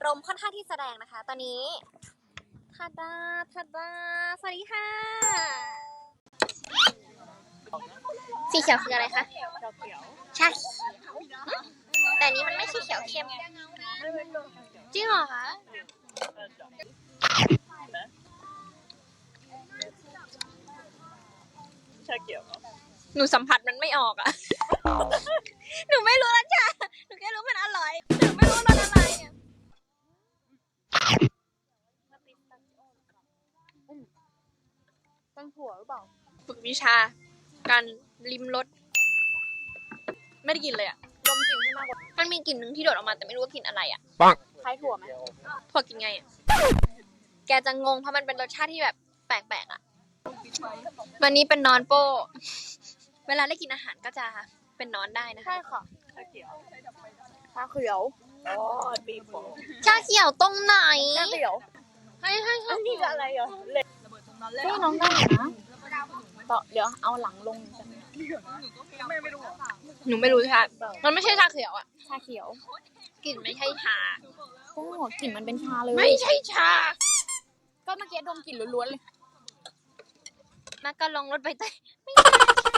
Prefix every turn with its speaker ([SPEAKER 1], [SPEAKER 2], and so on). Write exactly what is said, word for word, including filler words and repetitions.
[SPEAKER 1] ารมณ์ค่อนข้างที่แสดงนะคะ ตอนนี้ทัดดาทัดดาสวัสดีค่ะสีเขียวคืออะไรคะใช่แต่นี้มันไม่ใช่เขียวเข้มจริงเหรอคะ
[SPEAKER 2] ชาเขียว
[SPEAKER 1] หนูสัมผัสมันไม่ออกอะหนูไม่รู้รสชาติหนูแค่รู้มันอร่อยหนูไม่รู้รสอะไรอะ
[SPEAKER 2] ตั้งถั่วหรือเปล่า
[SPEAKER 1] ฝึกวิชาการลิมรสไม่ได้กินเลยอะดมกลิ่นให้มากกว่ามันมีกลิ่นหนึ่งที่โดดออกมาแต่ไม่รู้ว่ากลิ่นอะไรอะ
[SPEAKER 2] คล้ายถั่วไหม
[SPEAKER 1] ถั่วกินไงอะแกจะงงเพราะมันเป็นรสชาติที่แบบแปลกๆอะวันนี้เป็นนอนโป้เวลาได้กินอาหารก็จะเป็นนอนได้นะคะ
[SPEAKER 2] ใช่ค่ะชาเขียวชาเขียวอ๋อปีโป้
[SPEAKER 1] ชาเขียวตรงไหน
[SPEAKER 2] ชาเขียว
[SPEAKER 1] ให้ให้ให้
[SPEAKER 2] อันนี้จะอะไรเหรอเล็กพี่น้องได้นะต่อเดี๋ยวเอาหลังลงกันไม่ไม่รู้
[SPEAKER 1] หนูไม่รู้ชามันไม่ใช่ชาเขียวอะ
[SPEAKER 2] ชาเขียว
[SPEAKER 1] กลิ่นไม่ใช่ชา
[SPEAKER 2] โอ้กลิ่นมันเป็นชาเลย
[SPEAKER 1] ไม่ใช่ชา
[SPEAKER 2] ก็เมื่อกี้ดมกลิ่นล้วนๆเลย
[SPEAKER 1] มาก็ลองรถใบเตยไม่ใช่ชา